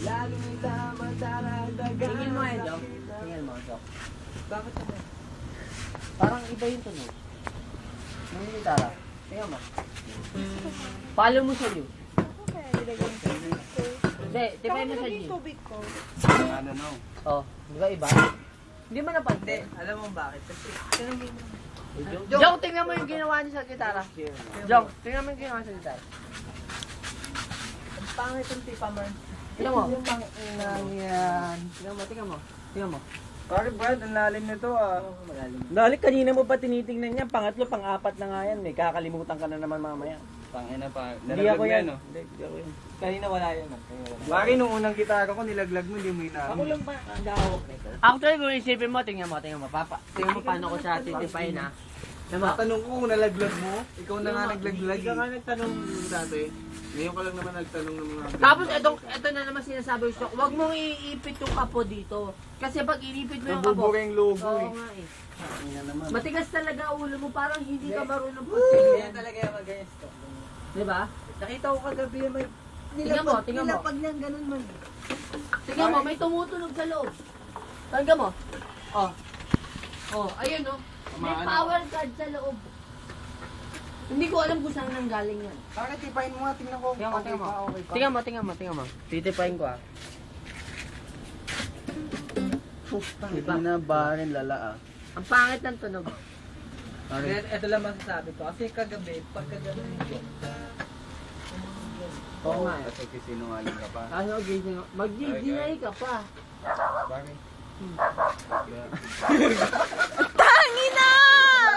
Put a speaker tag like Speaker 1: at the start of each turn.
Speaker 1: Tingin mo eh, Dok. Tingin mo, Dok.
Speaker 2: Bakit naman?
Speaker 1: Parang iba yung tunog. Ng gitara. Tingnan mo. Follow mo sa you.
Speaker 3: Okay, nilagay yung tubig ko.
Speaker 1: Hindi, tipay mo sa
Speaker 3: Nilagay
Speaker 1: you.
Speaker 3: yung tubig ko.
Speaker 2: Ano no?
Speaker 1: Oh, di ba iba? Hindi mo
Speaker 2: Hindi,
Speaker 1: napansin.
Speaker 2: alam mo bakit? Kasi, tingnan mo yun.
Speaker 1: Jong, tingnan mo yung ginawa niya sa gitara. Jong, tingnan mo yung ginawa sa gitara.
Speaker 2: Ang pangit yung tipa man.
Speaker 1: Tingnan mo.
Speaker 2: Yung pang inang yan.
Speaker 1: Tingnan mo, tingnan mo. Tingnan mo.
Speaker 2: Bakit Brad? Ang lalim nito ah.
Speaker 1: Malalim.
Speaker 4: Dali, kanina mo pa tinitingnan yan. Pangatlo, pang-apat na nga yan. May kakalimutan ka na naman mamaya.
Speaker 2: Pangina pa.
Speaker 4: Hindi ako yan.
Speaker 2: No?
Speaker 4: Hindi ako yan.
Speaker 2: Kanina wala yan. Bakit nung unang gitara ko nilaglag mo, hindi mo
Speaker 4: Ako
Speaker 2: inamin.
Speaker 4: lang ba ang gawak nito?
Speaker 1: Actually, kung isipin mo, tingnan mo, papa. Tingnan mo paano ko siya titipayin ha. Tingnan mo.
Speaker 2: Tatanong ko kung nalaglag mo, ikaw na nga naglaglag.
Speaker 5: Hindi ka nga nagtanong dati. Ngayon ka lang naman nagtanong ng mga...
Speaker 1: Tapos ito na naman sinasabi ko, huwag mong iipit yung kapo dito. Kasi pag inipit mo yung kapo,
Speaker 2: Nabubura yung logo
Speaker 1: oo
Speaker 2: eh.
Speaker 1: nga eh.
Speaker 2: Pangina naman.
Speaker 1: Matigas talaga ulo mo, parang hindi ka marunong
Speaker 2: Kaya talaga yung mag-ayos ko.
Speaker 1: Diba?
Speaker 2: Nakita ko kagabi may
Speaker 1: Tingnan mo, tingnan mo.
Speaker 2: nilapag niyang ganun man.
Speaker 1: Tingnan mo, may tumutunog sa loob. Tingnan mo. Oh. Oh, ayun oh. May power card sa loob. Hindi ko alam kung saan nanggaling yan.
Speaker 2: Bakit tipain mo nga, tingnan ko.
Speaker 1: Tingnan mo,
Speaker 2: Okay
Speaker 1: tingnan mo.
Speaker 2: pa, okay pa.
Speaker 1: Tingnan mo. Titipayin ko ah.
Speaker 4: Iba na ba rin lala ah.
Speaker 1: Ang pangit ng tunog.
Speaker 2: Ito lang masasabi ko. Kasi kagabi, pagka ganun yun.
Speaker 1: Oo nga eh.
Speaker 5: Kasi sinungaling ka pa.
Speaker 1: Ano, gising ako. Mag-ginay ka pa.
Speaker 5: Bakit?